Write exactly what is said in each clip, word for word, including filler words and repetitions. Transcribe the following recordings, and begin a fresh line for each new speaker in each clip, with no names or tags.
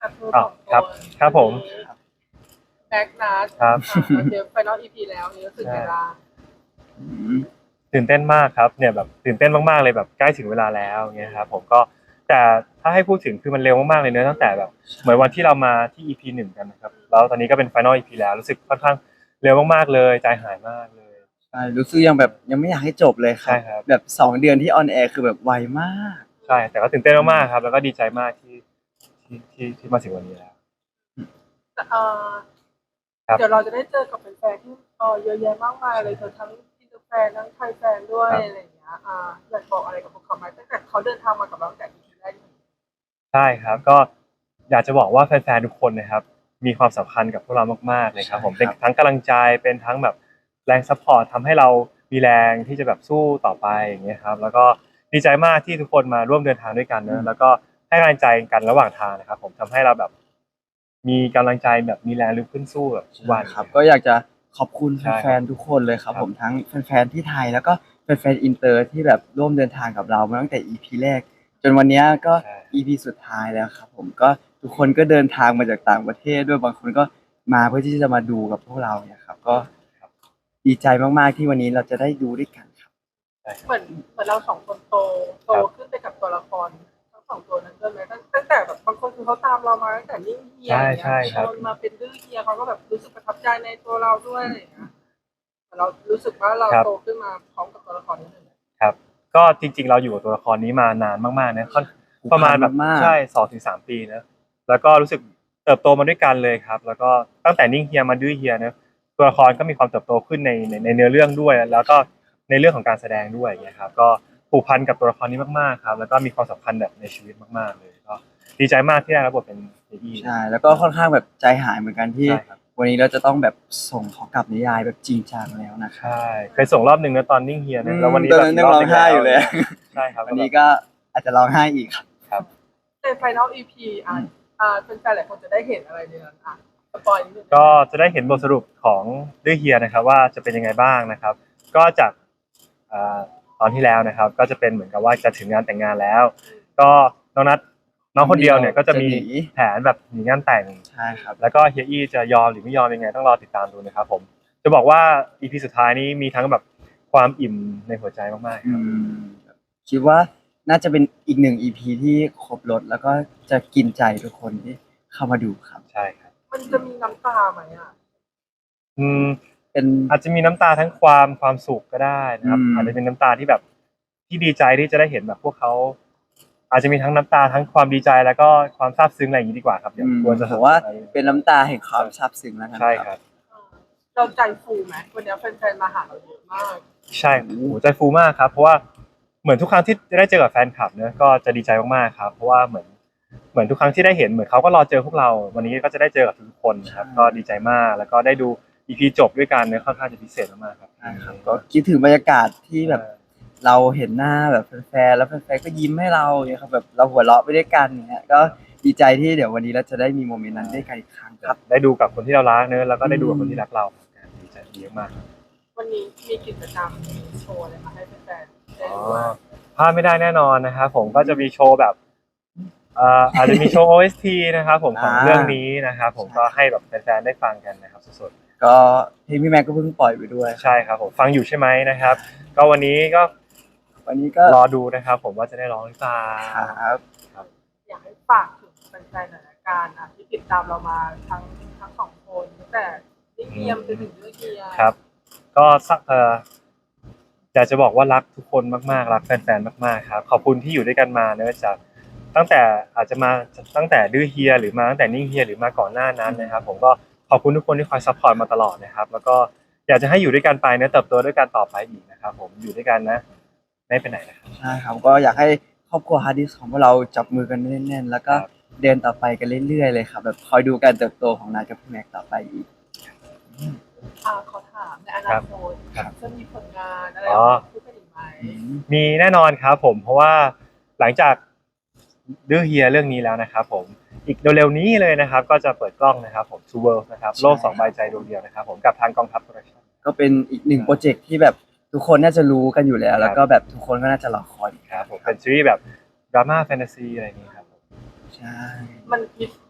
กับเธอส
อ้า
อ
ว
งค
ครับ
น
ครับผม
แบ็กนัด
ครับ
เดี๋ยวไฟนอลอีพีแล้วนี่รู้สึกไง
ใช่
บ้าง
อืม
ตื่นเต้นมากครับเนี่ยแบบตื่นเต้นมากๆเลยแบบใกล้ถึงเวลาแล้วเงี้ยครับผมก็แต่ถ้าให้พูดถึงคือมันเร็วมากๆเลยเนอะตั้งแต่แบบเหมือนวันที่เรามาที่ อี พี หนึ่งกันนะครับแล้วตอนนี้ก็เป็น Final อี พี แล้วรู้สึกค่อนข้างเร็วมากๆเลยใจหายมากเลย
ใช่รู้สึกยังแบบยังไม่อยากให้จบเลยครั
ใช่
บ
ครับ
แบบสองเดือนที่ออนแอร์คือแบบไวมาก
ใช่แต่ก็ตื่นเต้นมากๆครับแล้วก็ดีใจมากที่ที่ที่ที่มาถึงวันนี้แล้ว
เอ่อ
ครับ
เดี๋ยวเราจะได้เจอกับแฟนๆที่เออเยอะแยะมากมายเลยเธอทั้งอินเตอร์แฟนทั้งไทยแฟนด้วย
ครับ
อะไรอย่างเงี้ยอ่าอยากบอกอะไรกับพวกเขาไหมตั้งแต่เขาเดินทางมากับเราตั้งแต่ อี พี แรกจริง
ใช่ครับก็อยากจะบอกว่าแฟนๆทุกคนนะครับมีความสำคัญกับพวกเรามากๆเลยครับผมเป็นทั้งกำลังใจเป็นทั้งแบบแรงซัพพอร์ตทำให้เรามีแรงที่จะแบบสู้ต่อไปอย่างเงี้ยครับแล้วก็ดีใจมากที่ทุกคนมาร่วมเดินทางด้วยกันเนอะแล้วก็ให้กำลังใจกันระหว่างทางนะครับผมทำให้เราแบบมีกำลังใจแบบมีแรงลุกขึ้นสู้แบบทุก
ใช่
วัน
ครับก็อยากจะขอบคุณ
ใช่
แฟนๆทุกคนเลยครับ
ครับ
ผมทั้งแฟนๆที่ไทยแล้วก็แฟนๆอินเตอร์ที่แบบร่วมเดินทางกับเรามาตั้งแต่ อี พี แรกจนวันนี้ก็
ใช่
อี พี สุดท้ายแล้วครับผมก็ทุกคนก็เดินทางมาจากต่างประเทศด้วยบางคนก็มาเพื่อที่จะมาดูกับพวกเราเนี่ยครับก็
ครับ
ดีใจมากๆที่วันนี้เราจะได้ดูด้วยกันครับ
ใช่ค
ๆเห
รับ
มือนเหมือนเราสองคนโตโต
ครับ
ขึ้นไปกับตัวละครทั้งสองตัวนั้นด้วยไหมตั้งตั้งแต่แบบบางคนคือเขาตามเรามาตั้งแต่นิ่งเฮีย
ใช่
อย่างเงี้ย
ใช่ครับ
จนมาเป็นดื้อเฮียเขาก็แบบรู้สึกประทับใจในตัวเราด้วยอะไรอย่างเงี้ยแต่เรารู้สึกว่าเรา
ครับ
โตขึ้นมาพร้อมกับตัวละครนี้เลย
ครับก็จริงๆเราอยู่กับตัวละครนี้มานานมากๆนะค่อน
ผูก
ประมาณ
พัน
แบบ
มาก
ใช่สองถึงสามปีนะแล้วก็รู้สึกเติบโตมาด้วยกันเลยครับแล้วก็ตั้งแต่นิ่งเฮียมาดื้อเฮียเนอะตัวละครก็มีความเติบโตขึ้นในในในเนื้อเรื่องด้วยแล้วก็ในเรื่องของการแสดงด้วยอย่างเงี้ยครับก็ผูกพันกับตัวละครนี้มากๆครับแล้วก็มีความสำคัญแบบในชีวิตมากๆเลยก็ดีใจมากที่ได้รับบทเป็นเอดี้
ๆใช่แล้วก็ค่อนข้างแบบใจหายเหมือนกันที่
ใช่ครับ
วันนี้เราจะต้องแบบส่งเขากลับนิยายแบบจริงจังแล้วนะครับ
ใช่เคยส่งรอบหนึ่งนะตอนนิ่งเฮียนะแล้ววันนี้
ตอน
แบบ
นั้น
อี
ยัง
กรอบ
ร้องไห้อยู่เลย
ใช่ครับ
วันนี้ก็อาจจะร้องไห้อีกครับ
ครับ
ใน Final อี พี อ่ะอ่าเป็นแฟนๆหลายคนจะได้เห็นอะไรในนั้นอ่ะสปอยนิดนึง
ก็จะได้เห็นบทสรุปของดื้อเฮียนะครับว่าจะเป็นยังไงบ้างนะครับ ก็จากอ่าตอนที่แล้วนะครับ ก็จะเป็นเหมือนกับว่าจะถึงงานแต่งงานแล้ว ก็น้องนัทน้องคนเดียวเนี่ยก็จะมี
จะหนี
แผนแบบหนีงานแต่ง
ใช่ครับ
แล้วก็เฮียอี้จะยอมหรือไม่ยอมยังไงต้องรอติดตามดูนะครับผมจะบอกว่า อี พี สุดท้ายนี้มีทั้งแบบความอิ่มในหัวใจมากๆค
อื
รับ
มคิดว่าน่าจะเป็นอีกหนึ่ง อี พี ที่ครบรสแล้วก็จะกินใจทุกคนที่เข้ามาดูครับ
ใช่ครับ
มันจะมีน้ำตาไหมอ่ะ
อืม
เป็น
อาจจะมีน้ำตาทั้งความความสุขก็ได้นะครับ
อืม
อาจจะเป็นน้ำตาที่แบบที่ดีใจที่จะได้เห็นแบบพวกเขาอาจจะมีทั้งน้ำตาทั้งความดีใจแล้วก็ความซาบซึ้งอะไรอย่างนี้ดีกว่าครับเดี๋ยว
อืม
กลัวจะ
ผมว่าเป็นน้ำตาแห่งความซาบซึ้งแล้วกัน
ใช่
ค
ค
รั
รับ บ
เออเราใจฟูไหมวันนี้แฟนๆมาหาเราเยอะมาก
ใช่โอ้โหใจฟูมากครับ เพราะว่าเหมือนทุกครั้งที่ได้เจอกับแฟนคลับเนอะก็จะดีใจมากๆครับ เพราะว่าเหมือนเหมือนทุกครั้งที่ได้เห็นเหมือนเขาก็รอเจอพวกเรา วันนี้ก็จะได้เจอกับทุกคนนะครับ ก็ดีใจมากแล้วก็ได้ดู อี พี จบด้วยกันเนอะค่อนข้างจะพิเศษมากๆครับ
ใช่ครับก็คิดถึงบรรยากาศที่แบบเราเห็นหน้าแบบแฟนๆแล้วแฟนๆก็ยิ้มให้เราเนี่ยครับแบบเราหัวเราะไปด้วยกันเนี่ยก็ดีใจที่เดี๋ยววันนี้เราจะได้มีโมเมนต์นั้นด้วยกันอีกครั้งครับ
ได้ดูกับคนที่เรารักเนอะแล้วก็ได้ดูกับคนที่รักเราดีใจดีมากครับ
วันนี้มีกิจกรรมมีโชว์อะไรมาให้แฟนๆได้
อ๋อ
ดูบ้าง
พลาดไม่ได้แน่นอนนะครับผมก็จะมีโชว์แบบเอ่ออาจจะมีโชว์ โอ เอส ที นะครับผมของ
อ่า
เรื่องนี้นะครับผม
ใช่
ก็ให้แบบแฟนๆได้ฟังกันนะครับสด
ก็เพลงพี่แม็กก็เพิ่งปล่อยไปด้วย
ๆใช่ครับผมฟังอยู่ใช่ไหมนะครับ ก็วันนี้ก็
วันนี้ก็
รอดูนะครับผมว่าจะได้ร้องหรือเปล่า
ครับ
อยากให้ฝากถึงแฟนๆหน่อยละกันอ่ะที่ติดตามเรามาทั้งทั้งสองคนตั้งแต่นิ่งเงียมจนถึงเรื่องเฮีย
ครับ ก็สักเอ่ออยากจะบอกว่ารักทุกคนมากๆรักแฟนๆมากๆครับขอบคุณที่อยู่ด้วยกันมาเนอะจากตั้งแต่อาจจะมาตั้งแต่ดื้อเฮียหรือมาตั้งแต่นิ่งเฮียหรือมาก่อนหน้านั้นนะครับ ผมก็ขอบคุณทุกคนที่คอยซัพพอร์ตมาตลอดนะครับ แล้วก็อยากจะให้อยู่ด้วยกันไปเนอะเติบโตด้วยกันต่อไปอีกนะครับ ผมอยู่ด้วยกันนะไม่ไปไหนนะครับ
ใช่ครับก็อยากให้ครอบครัวฮาร์ดดิสของพวกเราจับมือกันแน่นๆแล้วก็
ครับ
เดินต่อไปกันเรื่อยๆเลยครับแบบคอยดูการเติบโตของนายกับพี่แม็กต่อไปอีก
อ่าขอถามในอนาคต
ครับ
จะมีผลงานอะไร
อ๋อ
ออกมาคู่กันอีกไหม
มีแน่นอนครับผมเพราะว่าหลังจากดื้อเฮียเรื่องนี้แล้วนะครับผมอีกเร็วๆนี้เลยนะครับ ก็จะเปิดกล้องนะครับผม Two World นะครับโลกสองใบใจดวงเดียวนะครับผมกับทางกองทัพโปรดักชั่น
ก็เป็นอีกหนึ่งโปรเจกต์ที่แบบทุกคนน่าจะรู้กันอยู่แล้ว แล้วก็แบบทุกคนก็น่าจะรอคอย
ครับผมเป็นซีรีส์แบบดราม่าแฟนตาซีอะไรอย่างนี้ครับผม
ใช่
มันคิด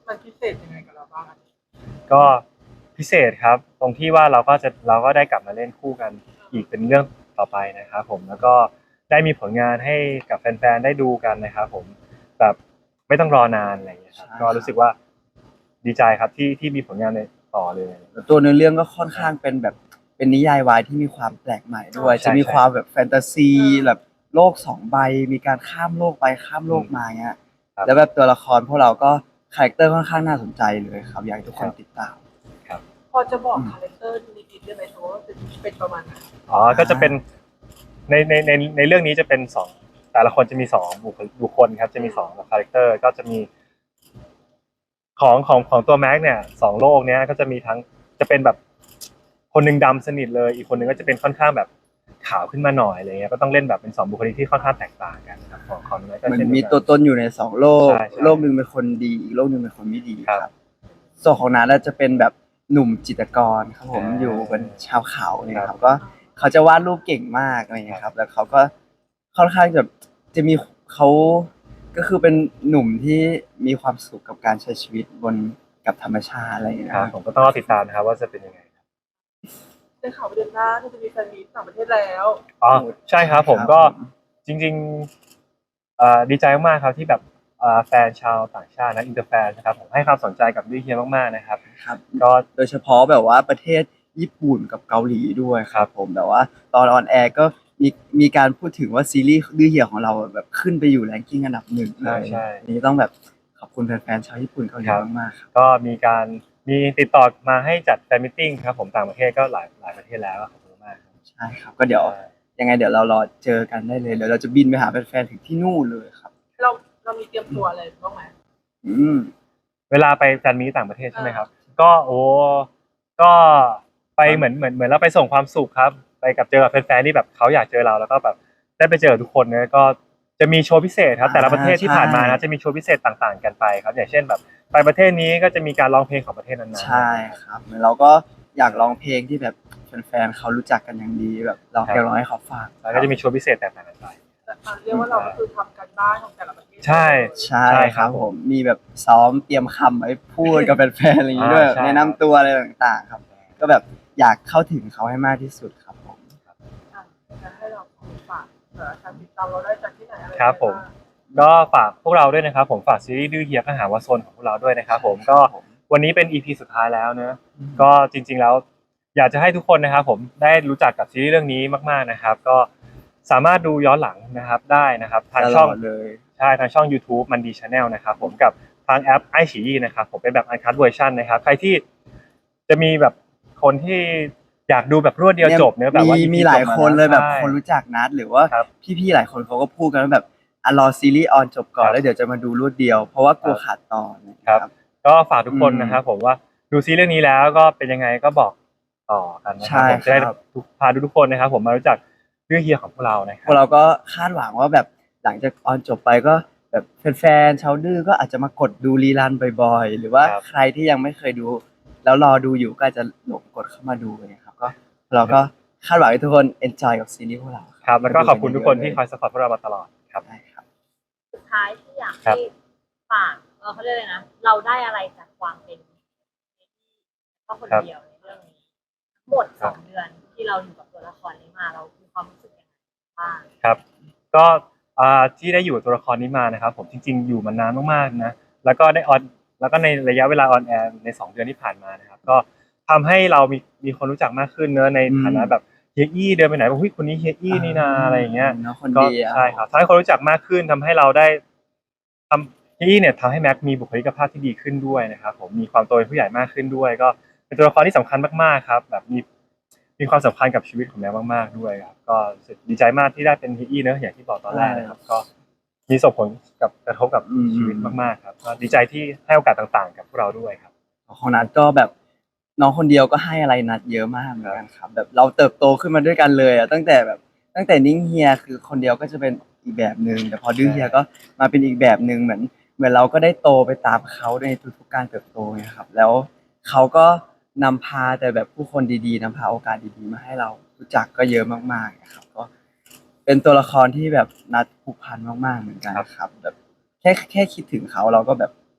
มันพิเศษยังไงกับเราบ้างอะ
ก็พิเศษครับตรงที่ว่าเราก็จะเราก็ได้กลับมาเล่นคู่กันอีกเป็นเรื่องต่อไปนะครับผมแล้วก็ได้มีผลงานให้กับแฟนๆได้ดูกันนะครับผมแบบไม่ต้องรอนานอะไรอย่างเงี้ยครับก็รู้สึกว่าดีใจครับที่ที่มีผลงานในต่อเลย
แล้วตัวเนื้อเรื่องก็ค่อนข้างเป็นแบบเป็นนิยายวายที่มีความแปลกใหม่ด้วย
ใช่
จะมี
ใช่
ความแบบแฟนตาซีแบบโลกสองใบมีการข้ามโลกไปข้ามโลกมาเงี้ย
ครับ
แล้วแบบตัวละครพวกเราก็คาแรคเตอร์ค่อนข้างน่าสนใจเลยครับอยากให้ทุกคนติดตาม
พอจะบอกคาแรคเตอร์นิดๆได้ไหมคะว่าเป็นเป็นประมาณไหน
อ๋อก็จะเป็นในในในในเรื่องนี้จะเป็นสองแต่ละคนจะมีสองบุคลิกบุคคลครับจะมีสองคาแรคเตอร์ก็จะมีของของของตัวแม็กเนี่ยสองโลกเนี้ยก็จะมีทั้งจะเป็นแบบคนหนึ่งดำสนิทเลยอีกคนหนึ่งก็จะเป็นค่อนข้างแบบขาวขึ้นมาหน่อยอะไรเงี้ยก็ต้องเล่นแบบเป็นสองบุคลิกที่ค่อนข้างแตกต่างกันครับของของแม็กก็
เหมือน
เช่นเดี
มี
ยวกัน
ตัวตนอยู่ในสองโลก
ใช่ใช่
โลกหนึ่งเป็นคนดีอีกโลกหนึ่งเป็นคนไม่ดี
ค
ค
รั
รับ บส่วนของนัทน่ะจะเป็นแบบหนุ่มจิตรกรครับผม
อ่า
อยู่เป็นชาวเขาเนี่ย
ค
ค
รั
รับ บก็เขาจะวาดรูปเก่งมากอะไรอย่างเงี้ยครับ แล้วเขาก็ค่อนข้างจะจะมีเขาก็คือเป็นหนุ่มที่มีความสุขกับการใช้ชีวิตบนกับธรรมชาติอะไรอย่างเงี้ย
ครับผมก็ต้องรอติดตามนะครับว่าจะเป็นยังไง
ได้ข่าวว่าเดือนหน้าที่จะมีแฟนมีตต่างประเทศแล้ว
อ๋อใช่ครับผมก็จริงๆเอ่อดีใจมากๆครับที่แบบเอ่อแฟนชาวต่างชาตินะอินเตอร์แฟนนะครับผมให้ความสนใจกับดิเฮียมากๆนะครับ
ครับ
ก็
โดยเฉพาะแบบว่าประเทศญี่ปุ่นกับเกาหลีด้วยครับผมแบบว่าตอนออนแอร์ก็มีมีการพูดถึงว่าซีรีส์ดื้อเหี่ยวของเราแบบขึ้นไปอยู่แรงกิ้งอันดับหนึ่งเล
ใช่
ย
ใช่
นี่ต้องแบบขอบคุณแฟนๆชาวญี่ปุ่นเกาหลี
ครับ
มากๆครับ
ก็มีการมีติดต่อมาให้จัดแฟนมิทติ้งครับผมต่างประเทศก็หลายหลายประเทศแล้วขอบคุณมากครับ
ใช่ครับก็เดี๋ยวยังไงเดี๋ยวเรารอเจอกันได้เลยเดี๋ยวเราจะบินไปหาแฟนๆถึงที่นู่นเลยครับ
เราเรามีเตรียมตัวอะไรบ้างไหม
อืม
เวลาไปแฟนมีตต่างประเทศใช่ไหมครับ ก็โอ้ก็ไปเหมือนเหมือนเหมือนเราไปส่งความสุขครับ ไปกับเจอกับแฟนๆที่แบบเขาอยากเจอเราแล้วก็แบบได้ไปเจอทุกคนเนี่ยก็จะมีโชว์พิเศษครับ แต่ละประเทศที่ผ่านมานะจะมีโชว์พิเศษต่างๆกันไปครับ อย่างเช่นแบบไปประเทศนี้ก็จะมีการร้องเพลงของประเทศนั้นๆ
ใช่ครับเหมือนเราก็อยากร้องเพลงที่แบบแฟนๆเขารู้จักกันอย่างดีแบบเราอยากร้องให้เขาฟัง
แล้วก็จะมีโชว์พิเศษแตกต่างกันไป
แต่อ่ะเรียกว่าเราก็คือทำกันบ้านของแต่ละประเทศ
ใช่
ใช่
ใช่
ค
ครั
รับบ ผมมีแบบซ้อมเตรียมคำไว้พูดกับแฟนๆอะไรอย่างงี้ด้วย
อ่าใช่
แนะนำตัวอะไรต่างๆครับ ก็แบบอยากเข้าถึงเขาให้มากที่สุดครับผม
อ่ะงั้นให้เราฝากเอ่อการติดตามเราได้จากที่ไหนอะไร
ครับผม ก็ฝากพวกเราด้วยนะครับผมฝากซีรีส์ดื้อเฮียข้าหาวาโซนของพวกเราด้วยนะครับผมก็วันนี้เป็น อี พี สุดท้ายแล้วเนอะก็จริงๆแล้วอยากจะให้ทุกคนนะครับผมได้รู้จักกับซีรีส์เรื่องนี้มากๆนะครับ ก็สามารถดูย้อนหลังนะครับได้นะครับทางช่อง
ตลอดเลย
ใช่ทางช่อง YouTube มันดี Channel นะครับผมกับทางแอปไอฉี่นะครับผมเป็นแบบอันคัทเวอร์ชันนะครับใครที่จะมีแบบคนที่อยากดูแบบรวดเดียวจบเนอะแบบว่า
มี
อี พี
มีหลาย
จบม
คนเลยแบบ
ใช่
คนรู้จักนัดหรือว่า
ครับ
พี่ๆหลายคนเขาก็พูดกันว่าแบบอ่ะรอซีรีส์ออนจบก่อ
ครั
น
บ
แล้วเดี๋ยวจะมาดูรวดเดียว เพราะว่ากลัวขาดตอนนะ
ค
ค
รั
รับ บ
ก็ฝากทุกคน
อืม
นะครับผมว่าดูซีรีส์เรื่องนี้แล้วก็เป็นยังไงก็บอกต่อกันนะค
ใช่
รับผมจะได้
ครับ
ทุกพาทุกๆคนนะครับ ผมมารู้จักเรื่องเฮียของพวกเรานะค
พ
รั
วกเราก็คาดหวังว่าแบบหลังจากออนจบไปก็แบบแฟนๆชาวดื้อก็อาจจะมากดดูรีรันบ่อยๆ หรือว่า
ครับ
ใครที่ยังไม่เคยดู แล้วรอดูอยู่ก็อาจจะหลงกดเข้ามาดูเนี่ยครับก็เราก็คาดหวังให้ทุกคนเอนจอยกับซีรีส์พวกเรา
ครับแล้วก็ขอบคุณทุกคนที่คอยสปอร์ตพวกเรามาตลอดครับ
ได้ครับ
สุดท้ายที่อยาก
ครั
ให้
บ
ฝากเออเขาเรียกอะไรนะ เราได้อะไรจากความเป็นก็คนเดียวในเรื่องนี้หมดสองเดือนที่เราอยู่กับตัวละครนี้มาเรามีความรู้สึกยังไงบ้าง
ครับก็อ่าที่ได้อยู่กับตัวละครนี้มานะครับ ผมจริง ๆ อยู่มานานมากๆนะแล้วก็ได้ออนแล้วก็ในระยะเวลาออนแอร์ในสองเดือนที่ผ่านมานะครับ ก็ทำให้เรามีมีคนรู้จักมากขึ้นเนอะในฐานะ
อืม
แบบเฮียอี้เดินไปไหนบอกเฮ้ยคนนี้เฮียอี้นี่นาอะไรอย่างเงี้ย
เนาะคน
ก็
ดีอะ
ใช่ครับทำให้คนรู้จักมากขึ้นทำให้เราได้ทำที่เนี่ยทำให้แม็กมีบุคลิกภาพที่ดีขึ้นด้วยนะครับผมมีความโตเป็นผู้ใหญ่มากขึ้นด้วย ก็เป็นตัวละครที่สำคัญมากๆครับ แบบมีมีความสำคัญกับชีวิตของแม็กมากๆด้วยครับก็รู้สึกดีใจมากที่ได้เป็นฮีอี้เนอะอย่างที่บอกตอนแรกนะครับ ก็มีส่งผลกับกระทบกับชีวิตมากๆครับก็ดีใจที่ให้โอกาสต่างๆ กับพวกเราด้วยครับ
ของนัดก็แบบน้องคนเดียวก็ให้อะไรนัดเยอะมากเหมือนกันครับ แบบเราเติบโตขึ้นมาด้วยกันเลยอะตั้งแต่แบบตั้งแต่นิ่งเฮียคือคนเดียวก็จะเป็นอีกแบบหนึ่งแต่พอดื้อเฮียก็มาเป็นอีกแบบหนึ่งเหมือนเหมือนเราก็ได้โตไปตามเขาในทุกๆการเติบโตไงครับ แล้วเขาก็นำพาแต่แบบผู้คนดีๆนำพาโอกาสดีๆมาให้เรารู้จักก็เยอะมากๆนะครับก็เป็นตัวละครที่แบบนัดผูกพันมากๆเหมือนกันครับ แบบแค่แค่คิดถึงเขาเราก็แบบ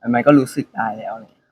มันก็รู้สึกได้แล้วอะไรอย่างเลย